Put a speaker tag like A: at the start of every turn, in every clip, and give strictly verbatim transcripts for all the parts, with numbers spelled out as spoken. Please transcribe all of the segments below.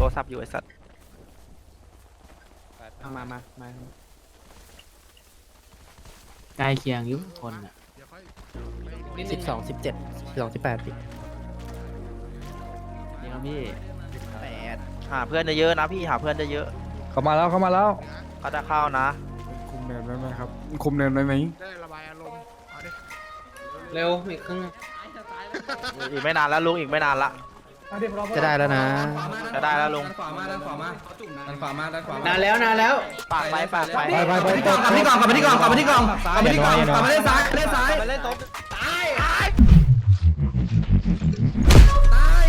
A: รศัพท์อยู่ไอ้สัตว์
B: มามามา
C: ใกล้เคียงอยุคนอ่ะ
B: สิบสองสิบเจ็ดสิบสองสิบแปดปี
C: นี่ครับพี่
A: แปดหาเพื่อนเยอะๆนะพี่หาเพื่อนเยอะ
D: เข้ามาแล้วเข้ามาแล้ว
A: ๆก็จะเข้านะ
E: คุมเนินไว้ไหมครับคุมเนินไว้ไหม
F: ได้ระบายอารมณ์เอาดิ
B: เร็วอีกครึ่ง
A: อีกไม่นานแล้วลุงอีกไม่นานละ
B: จะได้แล้วนะ
A: จะได้แล้วลุง
G: ขวามาด้านขวามาด้านขวามาด้านขวามาน
B: านแล้วนานแล้ว
A: ปากไปปากไป
D: ไปไปไป
G: กลับมาที่กล่องกลับมาที่กล่องกลับมาที่กล่องกลับมาที่กล่องกลับมาเล่นซ้ายเล่นซ้าย
A: ไปเล่นโต๊ะ
G: ตายตาย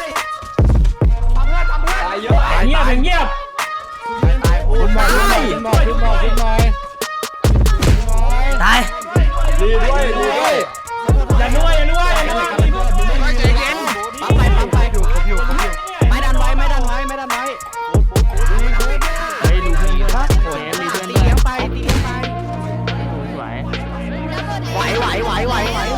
C: เงียบเงียบ
A: ตายพูด
D: ขึ้นมาขึ้นมาขึ้นมาขึ้นมาขึ้นมา
B: ตาย
D: ดีด้วยดีด้วย
C: อย่านัวอย่านัวอย่านัว
F: ใจเย็น
B: ปั๊มไปปั๊มไปอยู่ผมอยู่ผมอยู่ไม่ดันไว้ไม่ดันไว้ไม่ดันไว้
C: เฮ้ยดูพี่ครับโอ้ยมีเพื่อน
B: ตี
C: ด้วย
B: เลี้ยงไปตีเลี้ยงไป
C: สวย
B: ไหวไหวไหวไหวไหว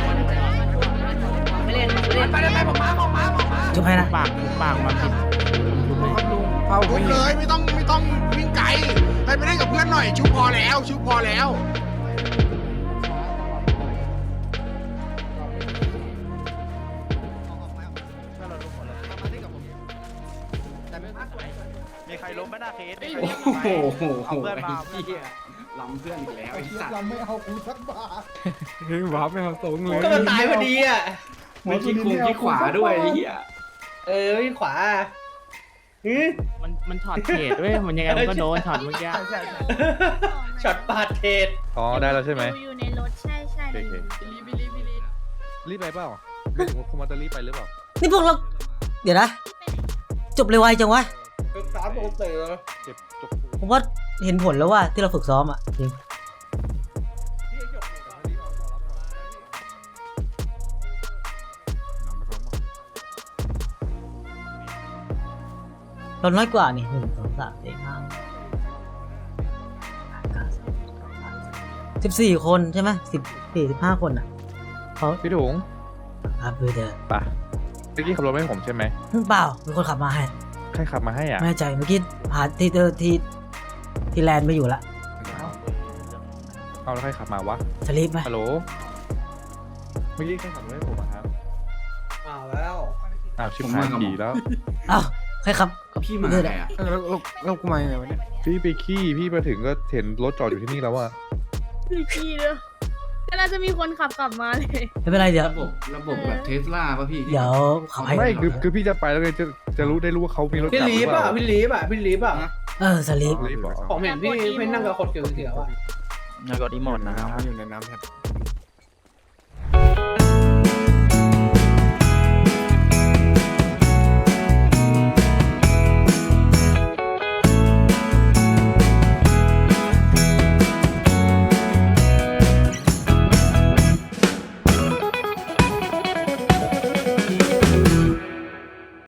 B: ไม่เล่นไม่เล่นไปไปผมมาผมมาผมมาจุ๊บให้นะ
C: ปากปากมาผิด
E: เป้า
F: ลุ
E: ไม่
F: ก
E: เห็
F: เล
E: น
F: ยไม่ต้องไม่ต้องวิ่งไกลไปไปเล่นกับเพื่อนหน่อยชุบพอแล้วชุบพอแล้ว
A: มีใครล้มไม่น่าเคส
B: โอ้โห
A: เอาเพื่อนมา
B: ล้ำเพื่อนอีกแล้วไอ้สัตว์
E: เราไม่เอากูสักบาทเฮ้ยว้าไม่เอาตรงเลย
B: ก็มันตายพอดีอ่ะไม่ขี้คุมขี้ขวาด้วยไอ้เหี้ยเออขี้ขวาฮึ
C: มันมันช็อตเทรดด้วยมันยังไงมันก็โดนช็อตเมื่อกี้
B: ช็อตปาดเทศ
D: อ๋อได้แล้วใช่ไหม
H: อยู่ในรถใช่ใช่
D: โอเครีบไปเปล่าคุณมาจะรีบไปหรือเปล่า
I: นี่พวกเรา เดี๋ยวนะ จบเร็วไวจังวะ
B: สามโมงเตะ
D: เจ็บจบ
I: ผมว่าเห็นผลแล้วว่าที่เราฝึกซ้อมอ่ะจริงเราน้อยกว่านี่หนึ่งสองสามสี่ห้าสิบสี่คนใช่ไหมสิบสี่สิบห้าคนอ่ะเขา
D: พี่ถุง
I: ครับเพื่อเดิน
D: ไปเมื่อกี้ขับรถไม่ให้ผมใช่ไหม
I: เปล่ามีคนขับมาให้
D: ใครขับมาให้อ่ะ
I: ไม่แน่ใจเมื่อกี้หาที่เจอที่ที่แลนด์ไม่อยู่ละ
D: เอาแล้วใครขับมาวะ
I: สลีปไหม
D: ฮัลโหลเมื่อกี้ใครขับรถให้ผมอะครับ
B: อ้าวแล้ว
D: อ้าวชิบหายขี่แล้ว
I: เอ้าใครขับ
B: พี่มาไงอ่ะ
E: แล้วแล้วแล้วกูมายังไงวะเนี่ย
D: พี่ไปขี้พี่มาถึงก็เห็นรถจอดอยู่ที่นี่แล้วอะ
H: พี่พี่เด้อก็น่าจะมีคนขับกลับมาเลย
I: ไม่เป็นไรเดี๋ยว
G: ระบบระบบแบบเทสลาป่ะพี่
I: เดี๋ยวขับให้
D: ไม่คือคือพี่จะไปแล้วไงจะจะรู้ได้รู้ว่าเขามีรถ
B: พี่
D: กลับ
B: ลี
D: หรื
B: ฟ
D: อเป
B: อ่ะ
D: ล่า
B: พี่ลีฟอ่ะพี่ลีฟอ่ะ
I: เออสลีป
D: รีบบอก
B: ผมเห็นพี่พี่นั่งกับคนเขียวๆอ่ะ
A: แล้วก็ดีหมดนะครับ
E: น้ำอยู่ในน้ำแทบ